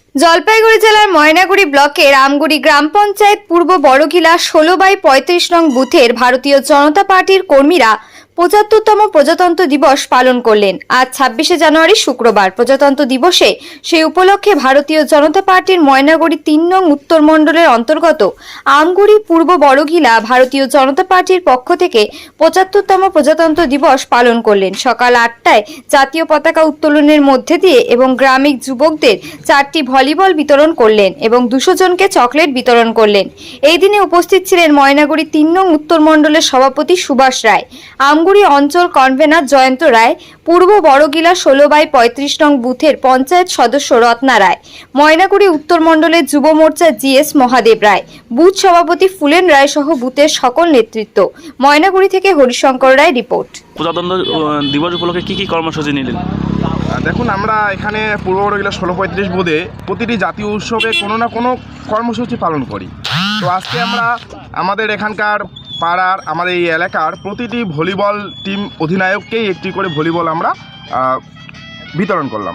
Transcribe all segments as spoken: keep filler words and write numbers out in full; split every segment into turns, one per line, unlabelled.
জলপাইগুড়ি জেলার ময়নাগুড়ি ব্লকের আমগুড়ি গ্রাম পঞ্চায়েত পূর্ব বড়ঘিলা ষোলো বাই পঁয়ত্রিশ নং বুথের ভারতীয় জনতা পার্টির কর্মীরা পঁচাত্তরতম প্রজাতন্ত্র দিবস পালন করলেন। আজ ছাব্বিশে জানুয়ারি শুক্রবার প্রজাতন্ত্র দিবসে সেই উপলক্ষে ভারতীয় জনতা পার্টির ময়নাগুড়ি তিন নং উত্তর মণ্ডলের অন্তর্গত আমগুড়ি পূর্ব বড়ঘিলা ভারতীয় জনতা পার্টির পক্ষ থেকে পঁচাত্তরতম প্রজাতন্ত্র দিবস পালন করলেন। সকাল আটটায় জাতীয় পতাকা উত্তোলনের মধ্যে দিয়ে এবং গ্রামীণ যুবকদের চারটি ভলিবল বিতরণ করলেন এবং দুশো জনকে চকলেট বিতরণ করলেন। এই দিনে উপস্থিত ছিলেন ময়নাগুড়ি তিন নং উত্তর মণ্ডলের সভাপতি সুভাষ রায়, আমগুড়ি অঞ্চল কনভেনার জয়ন্ত রায়, পূর্ব বড়ঘিলা ষোলো বাই পঁয়ত্রিশ নং বুথের পঞ্চায়েত সদস্য রত্না রায়, ময়নাগুড়ি উত্তর মণ্ডলের যুব মোর্চা G S Mahadev Roy, booth সভাপতি ফুলেন রায় সহ বুথের সকল নেতৃত্ব। ময়নাগুড়ি থেকে হরিশঙ্কর রায় রিপোর্ট।
প্রজাতন্ত্র দিবস উপলক্ষে কি কি কর্মসূচি নিলেন?
দেখুন, আমরা এখানে পূর্ব বড়ঘিলা ষোলো পঁয়ত্রিশ বোধে প্রতিটি জাতীয় উৎসবে কোনো না কোনো কর্মসূচি পালন করি। তো আজকে আমরা আমাদের এখানকার পাড়ার আমাদের এই এলাকার প্রতিটি ভলিবল টিম অধিনায়ককেই একটি করে ভলিবল আমরা বিতরণ করলাম।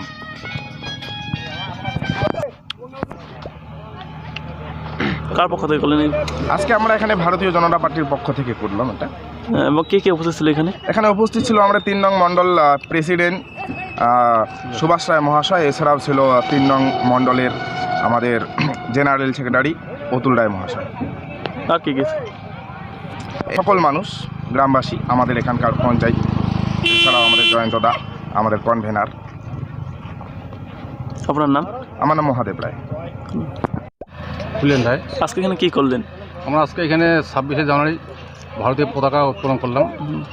কার পক্ষ থেকে করলেন?
আজকে আমরা এখানে ভারতীয় জনতা পার্টির পক্ষ থেকে করলাম এটা।
এবং কে কে উপস্থিত ছিল এখানে?
এখানে উপস্থিত ছিল আমরা তিন নং মণ্ডল প্রেসিডেন্ট সুভাষ রায় মহাশয়, এছাড়াও ছিল তিন নং মণ্ডলের আমাদের জেনারেল সেক্রেটারি অতুল রায় মহাশয়।
আর কে কে?
সকল মানুষ, গ্রামবাসী, আমাদের এখানকার পঞ্চায়েত, এছাড়াও আমাদের জয়ন্ত দা, আমাদের কনভেনার।
আপনার নাম?
আমার নাম মহাদেব রায়।
ফুলেন রায়।
আজকে এখানে কি করলেন?
আমরা আজকে এখানে ছাব্বিশে জানুয়ারি ভারতীয় পতাকা উত্তোলন করলাম।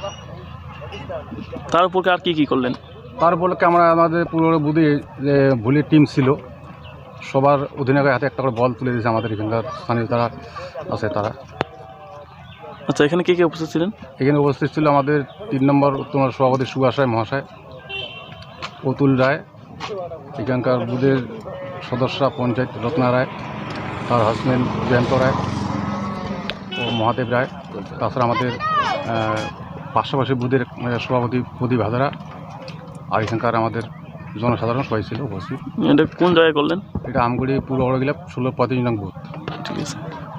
তার উপর আর কি কি করলেন?
তার উপলক্ষে আমরা আমাদের পুরো বুধে যে ভলির টিম ছিল সবার অধিনায়কের হাতে একটা করে বল তুলে দিয়েছে আমাদের এখানকার স্থানীয় তারা আছে তারা।
আচ্ছা, এখানে কে কে উপস্থিত ছিলেন?
এখানে উপস্থিত ছিল আমাদের তিন নম্বর উত্তর সভাপতি সুভাষ রায় মহাশয়, অতুল রায়, এখানকার বুধের সদস্যরা পঞ্চায়েত রত্না রায়, তার হাজব্যান্ড জয়ন্ত রায় ও মহাদেব রায়, তাছাড়া আমাদের পাশাপাশি বুধের সভাপতি প্রদীপ হাজারা, আর এখানকার আমাদের জনসাধারণ সবাই ছিল উপস্থিত।
এটা কোন জায়গায় করলেন?
এটা আমগুড়ি পূর্ব বড়ঘিলা ষোলো পঁয়ত্রিশ নং বুথ।
ঠিক আছে।